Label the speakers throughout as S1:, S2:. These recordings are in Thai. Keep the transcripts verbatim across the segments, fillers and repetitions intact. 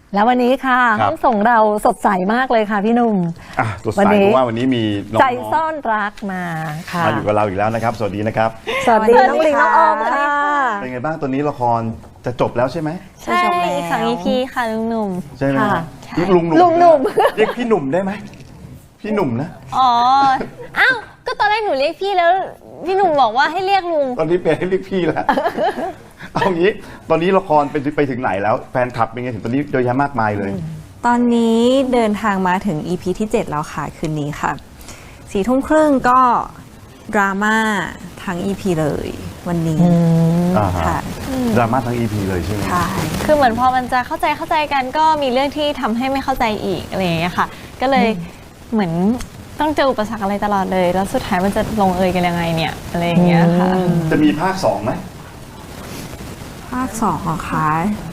S1: แล้ววันนี้ค่ะห้องส่งเราสดใสมากเลยค่ะพี่หนุ่ม
S2: อ่ะสดใสเพราะว่าวันนี้มีน้อง
S1: ใจซ่อนรักมาค่ะ
S2: มาอยู่กับเราอีกแล้วนะครับสวัสดีนะครับ
S1: สวัสดีน้องลิงน้องออมค่ะ
S2: เป็นไงบ้างตัวนี้ละครจะจบแล้วใช่ไหม
S3: ใช่อีกสอง อี พี ค่ะลุงหนุ่ม
S2: ใช่ไหมเรียกลุงหนุ่ม
S1: ลุงหนุ่ม
S2: เรียกพี่หนุ่มได้ไหมพี่หนุ่มนะ
S3: อ๋ออ้าวก็ตอนแรกหนูเรียกพี่แล้วพี่หนุ่มบอกว่าให้เรียกลุง
S2: ตอนนี้เปลี่ยนให้เรียกพี่แล้วเอางี้ตอนนี้ละครไปไปถึงไหนแล้วแฟนคลับเป็นไงถึงตอนนี้เยอะแยะมากมายเลย
S4: ตอนนี้เดินทางมาถึง อี พี ที่เจ็ดแล้วค่ะคืนนี้ค่ะสี่ทุ่มครึ่งก็ดราม่าทั้ง อี พี เลยวันนี้
S2: ค่ะดราม่าทั้ง อี พี เลยใช่ไหม
S4: ใช่
S3: คือเหมือนพอมันจะเข้าใจเข้าใจกันก็มีเรื่องที่ทำให้ไม่เข้าใจอีกอะไรอย่างเงี้ยค่ะก็เลยเหมือนต้องเจออุปสรรคอะไรตลอดเลยแล้วสุดท้ายมันจะลงเอยกันยังไงเนี่ยอะไรอย่างเงี้ยค่ะ
S2: จะมีภาคสองไหม
S4: ภาคสองของค่ะ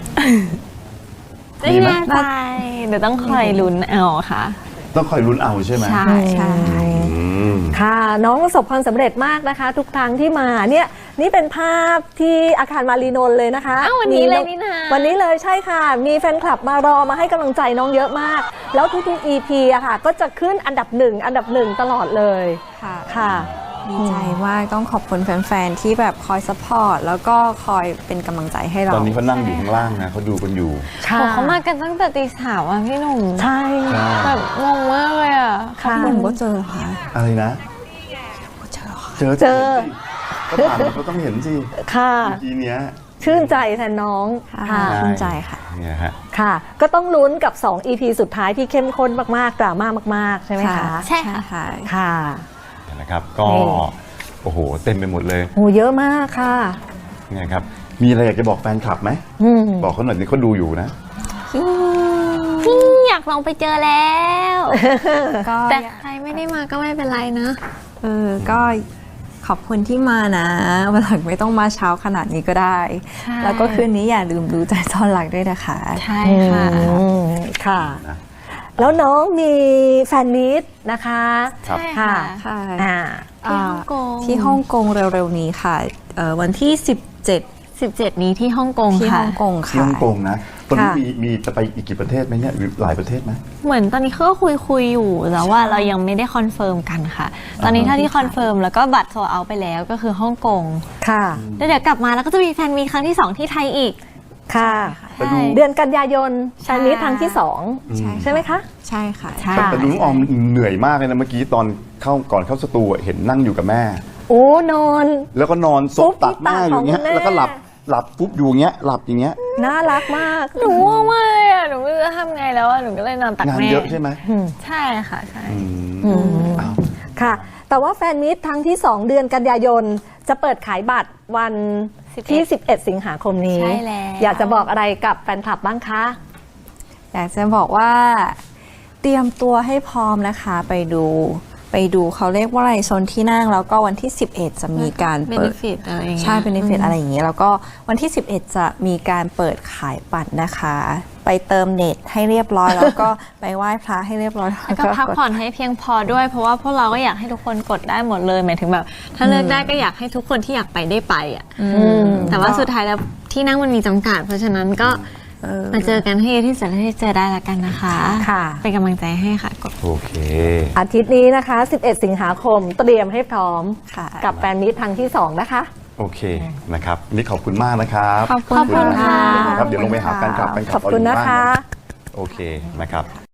S3: ไม่แน่ใจเดี๋ยวต้องคอยลุ้นเอาค่ะ
S2: ต้องคอยลุ้นเอาใช่ไหม
S3: ใช่ใช่
S1: ค่ะน้องประสบความสำเร็จมากนะคะทุกครั้งที่มาเนี่ยนี่เป็นภาพที่อาคารมารีนนท์เลยนะคะ
S3: อ้าววันนี้เลยนี่นา
S1: วันนี้เลยใช่ค่ะมีแฟนคลับมารอมาให้กำลังใจน้องเยอะมากแล้วทุกๆ อี พี อะค่ะก็จะขึ้นอันดับหนึ่งอันดับหนึ่งตลอดเลย
S4: ค่ะ
S1: ค่ะ
S4: ดีใจมากต้องขอบคุณแฟนๆที่แบบคอยซัพพอร์ตแล้วก็คอยเป็นกำลังใจให้เรา
S2: ตอนนี้เขานั่งอยู่ข้างล่างนะเขาดูกันอยู่
S3: เขามากันตั้งแต่ตีสามอ่ะพี่หนุ่ม
S1: ใช่
S3: แบบงงมากเลยอ่ะ
S4: ค่ะหนุ่มก็เจอค่ะ
S2: อะไรนะ
S4: เจอ
S2: เจอเจอก็ผ่านเขาต้องเห็นสิ
S1: ค่ะ
S2: ทีเนี้ย
S1: ชื่นใจแทนน้อง
S4: ค่ะชื่นใจค่ะ
S2: เนี่ยฮะ
S1: ค่ะก็ต้องลุ้นกับสอง อี พี สุดท้ายที่เข้มข้นมากๆดราม่ามากๆใช่ไหมคะ
S3: ใช่
S4: ค่ะ
S1: ค่ะ
S2: นะครับก็โอ้โหเต็มไปหมดเลย
S1: โอ้เยอะมากค่ะ
S2: เนี่ยครับมีอะไรอยากจะบอกแฟนคลับไหมบอกเขาหน่อยนี่เขาดูอยู่นะ
S3: อยากลองไปเจอแล้วแต่ใครไม่ได้มาก็ไม่เป็นไรนะ
S4: เออก็ขอบคุณที่มานะวันหลังไม่ต้องมาเช้าขนาดนี้ก็ได้แล้วก็คืนนี้อย่าลืมดูใจซ่อนรักด้วยนะคะ
S3: ใช่ค่ะ
S1: ค่ะแล้วน้องมีแฟนมีตนะคะ
S3: ใช่ค่ะที่ฮ่องกง
S4: ที่ฮ่องกงเร็วๆนี้ค่ะวันที่สิบเจ็ด
S3: สิบเจ็ดนี้ที่ฮ่องกง
S4: ที่ฮ่องกงค่ะ
S2: ที่ฮ่องกงนะตอนนี้มีมีจะไปอีกกี่ประเทศไหมเนี่ยหลายประเทศไหม
S3: เหมือนตอนนี้เขาก็คุยคุยอยู่แต่ว่าเรายังไม่ได้คอนเฟิร์มกันค่ะตอนนี้เท่าที่คอนเฟิร์มแล้วก็บัตรโซลเอาไปแล้วก็คือฮ่องกง
S1: ค่ะ
S3: แล้วเดี๋ยวกลับมาแล้วก็จะมีแฟนมีครั้งที่สองที่ไทยอีก
S1: ค่ะเดือนกันยายนแฟนมีครั้งที่สองใช่ไหมคะ
S4: ใช่ค่ะ
S2: แต่ลุงออมเหนื่อยมากเลยนะเมื่อกี้ตอนเข้าก่อนเข้าสตูเห็นนั่งอยู่กับแม่
S1: โอ้นอน
S2: แล้วก็นอนซบตักแม่อยู่เงี้ยแล้วก็หลับหลับปุ๊บอยู่เงี้ยหลับอย่างเงี้ย
S1: น่ารักมาก
S3: หนูง่วงมากเลยอ่ะหนูไม่รู้จะทำไงแล้วอ่ะหนูก็เลยนอนตักแม่
S2: งานเยอะใช่ไหม
S3: ใช่ค่ะใช่
S1: ค่ะแต่ว่าแฟนมิตรทั้งที่สองเดือนกันยายนจะเปิดขายบัตรวันที่สิบเอ็ดสิงหาคมนี้
S3: ใช่แล้ว
S1: อยากจะบอกอะไรกับแฟนคลับบ้างคะ
S4: อยากจะบอกว่าเตรียมตัวให้พร้อมนะคะไปดูไปดูเขาเรียกว่าอะไรโซนที่นั่งแล้วก็วันที่สิบเอ็ดจะมีการเปิดใช่เป็นเบเนฟิตอะไรอย่างเงี้ยแล้วก็วันที่สิบเอ็ดจะมีการเปิดขายบัตรนะคะไปเติมเน็ตให้เรียบร้อยแล้วก็ไปไหว้พระให้เรียบร้อย
S3: แล้วก็พักผ่อนให้เพียงพอด้วยเพราะว่าพวกเราก็อยากให้ทุกคนกดได้หมดเลยหมายถึงแบบถ้าเลือกได้ก็อยากให้ทุกคนที่อยากไปได้ไปอ่ะแต่ว่าสุดท้ายแล้วที่นั่งมันมีจำกัดเพราะฉะนั้นก็มาเจอกันให้ที่สุดที่เจอได้ละกันนะคะ
S1: ค่ะ
S3: เป็นกำลังใจให้ค่ะ
S2: โอเค
S1: อาทิตย์นี้นะคะสิบเอ็ดสิงหาคมเตรียมให้พร้อมกับแฟนมิตรครั้งที่สองนะคะ
S2: โอเคนะครับนี่ขอบคุณมากนะครับ
S3: ขอบคุณค่ะ
S2: ครับเดี๋ยวลงไปหาแฟนคลับแฟนคลับ
S1: ขอบคุณนะคะ
S2: โอเคนะครับ